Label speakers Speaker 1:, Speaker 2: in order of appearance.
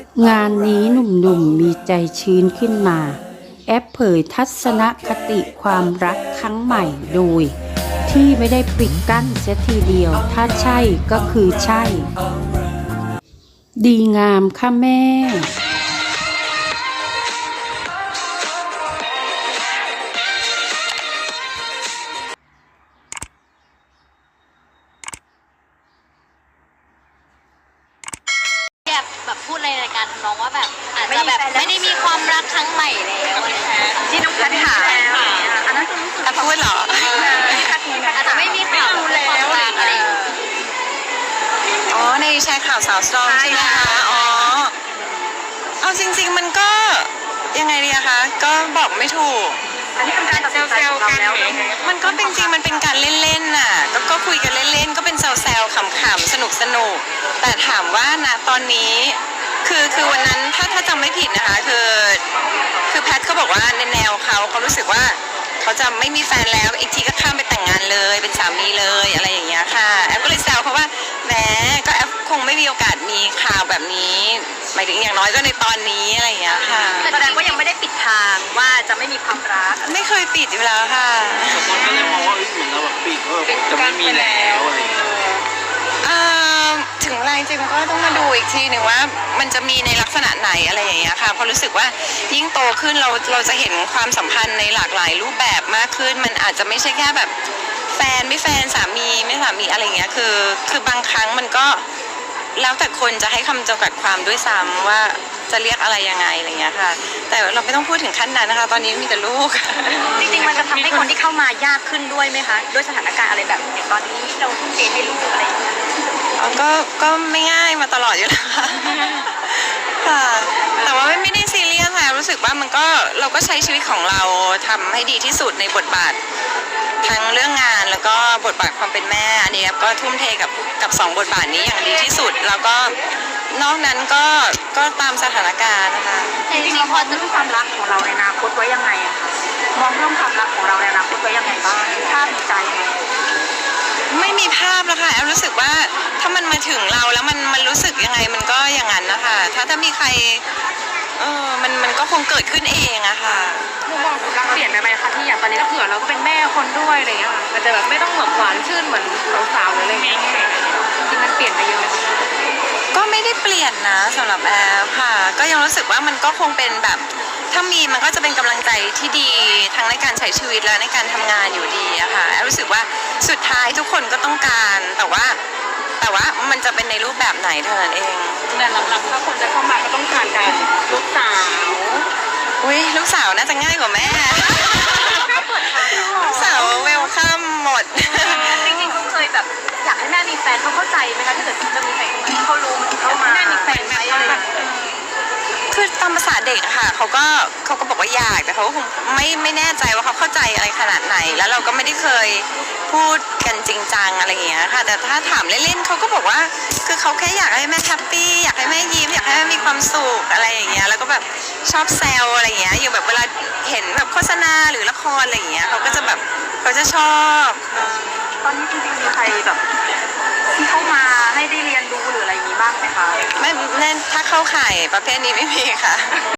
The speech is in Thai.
Speaker 1: งานนี้หนุ่มๆมีใจชื้นขึ้นมาแอปเผยทัศนคติความรักครั้งใหม่โดยที่ไม่ได้ปิดกั้นเสียทีเดียวถ้าใช่ก็คือใช่ ดีงามค่ะแม่
Speaker 2: แบบพูดในรายการน้องว่าแบบอาจจะแบบไม่ได้มีความรักครั้งใหม่แล้วอะไรอย่างเงี้ย
Speaker 3: ที่น้องพัดถามอันนั้นคือรู้สึกพูดเหรอ
Speaker 2: อาจจะไม่มีข่าวความรักอะไร
Speaker 3: อ๋อในแชร์ข่าวสาวสตรองใช่ไหมคะอ๋อเอาจริงๆมันก็ยังไงดีอะคะก็บอกไม่ถูก
Speaker 2: อันนี้เป็นการตัดสินใจของเราแล้ว
Speaker 3: มันก็เป็นจริงมันเป็นการเล่นๆน่ะก็คุยกันเล่นๆก็เป็นแซวๆขำๆสนุกแต่ถามว่าณตอนนี้คือวันนั้นถ้าจำไม่ผิดนะคะคือแพทเขาบอกว่าในแนวเขารู้สึกว่าเขาจะไม่มีแฟนแล้วอีกทีก็ข้ามไปแต่งงานเลยเป็นสามีเลยอะไรอย่างเงี้ยค่ะแอฟก็เลยแซวเขาว่าแหมก็แอฟคงไม่มีโอกาสมีข่าวแบบนี้หมายถึงอย่างน้อยก็ในตอนนี้อะไรอย่างเงี้ยค่ะ
Speaker 2: แสดงว่ายังไม่ได้ปิดทางว่าจะไม่มีความรัก
Speaker 3: ไม่เคยปิดอยู่แล้วค่ะ
Speaker 4: บางคนก็เลยมองว่าเหมือนเราแบบปิดว่าจะไม่มีแล้วอะไรอย่างเงี้ย
Speaker 3: ถึงอะไรจริงๆก็ต้องมาดูอีกทีหนึ่งว่ามันจะมีในลักษณะไหนอะไรอย่างเงี้ยค่ะเพราะรู้สึกว่ายิ่งโตขึ้นเราจะเห็นความสัมพันธ์ในหลากหลายรูปแบบมากขึ้นมันอาจจะไม่ใช่แค่แบบแฟนไม่แฟนสามีไม่สามีอะไรอย่างเงี้ยคือบางครั้งมันก็แล้วแต่คนจะให้คำจำกัดความด้วยซ้ำว่าจะเรียกอะไรยังไงอะไรเงี้ยค่ะแต่เราไม่ต้องพูดถึงขั้นนั้นนะคะตอนนี้มีแต่ลูก
Speaker 2: จริงๆมันจะทำให้คนที่เข้ามายากขึ้นด้วยไหมคะด้วยสถานการณ์อะไรแบบตอนนี้เราทุ่มเทให้ลูกอะไรอย่างเงี้ย
Speaker 3: ก็ไม่ง่ายมาตลอดอยู่แล้วค่ะแต่ว่าไม่ได้ซีเรียสค่ะรู้สึกว่ามันก็เราก็ใช้ชีวิตของเราทำให้ดีที่สุดในบทบาททั้งเรื่องงานแล้วก็บทบาทความเป็นแม่อันนี้ก็ทุ่มเทกับสองบทบาทนี้อย่างดีที่สุดแล้วก็นอกนั้นก็ตามสถานการณ์นะคะ
Speaker 2: จริงๆเราพอจะรู้ความรักของเราในอนาคตไว้ยังไงอะคะมองเรื่องความรักของเราในอนาคตไว้ยังไงบ้างภาพในใจไหม
Speaker 3: ไม่มีภาพแล้วค่ะแอฟรู้สึกว่าถ้ามันมาถึงเราแล้วมันรู้สึกยังไงมันก็อย่างนั้นนะคะถ้ามีใครมันก็คงเกิดขึ้นเองอะค่ะ
Speaker 2: มุมมองของรักเปลี่ยนไปไหมคะที่อย่างตอนนี้ก็เผื่อเราก็เป็นแม่คนด้วยอะไรอย่างเงี้ยมันจะแบบไม่ต้องแบบหวานชื่นเหมือนสาวๆหรืออะไรเงี้ยจริงมันเปลี่ยนไปเยอะเลย
Speaker 3: ก็ไม่ได้เปลี่ยนนะสำหรับแอฟค่ะก็ยังรู้สึกว่ามันก็คงเป็นแบบถ้ามีมันก็จะเป็นกำลังใจที่ดีทั้งในการใช้ชีวิตและในการทำงานอยู่ดีอะค่ะแอฟรู้สึกว่าสุดท้ายทุกคนก็ต้องการแต่ว่ามันจะเป็นในรูปแบบไหนเท่านั้นเอง
Speaker 2: แต่หลักๆถ้าคนจะเข้ามาก็ต้องผ่านการลูกสาว
Speaker 3: อุ้ยลูกสาวน่าจะง่ายกว่าแม่ลูกสาวเวลคัมหมด
Speaker 2: จริงๆเขาเคยแบบอยากให้แม่มีแฟนเขาเข้าใจไหมคะถ้าเกิดจะมีแฟนเขารู้เขามาแม่มีแฟนไหมอะไร
Speaker 3: คือตามภาษาเด็กอะค่ะเขาก็บอกว่าอยากแต่เขาคงไม่แน่ใจว่าเขาเข้าใจอะไรขนาดไหนแล้วเราก็ไม่ได้เคยพูดกันจริงจังอะไรอย่างเงี้ยค่ะแต่ถ้าถามเล่นๆเขาก็บอกว่าคือเขาแค่อยากให้แม่แฮปปี้อยากให้แม่ยิ้มอยากให้แม่มีความสุขอะไรอย่างเงี้ยแล้วก็แบบชอบแซวอะไรอย่างเงี้ยอยู่แบบเวลาเห็นแบบโฆษณาหรือละครอะไรอย่างเงี้ยเขาก็จะแบบเขาจะชอบ
Speaker 2: ตอนนี้จริงๆมีใครแบบที่เข้ามาให้ได้เรียนรู้หรืออะไรอย่างนี้บ้างไหมคะ
Speaker 3: ไม่ถ้าเข้าข่ายประเภทนี้ไม่มีค่ะ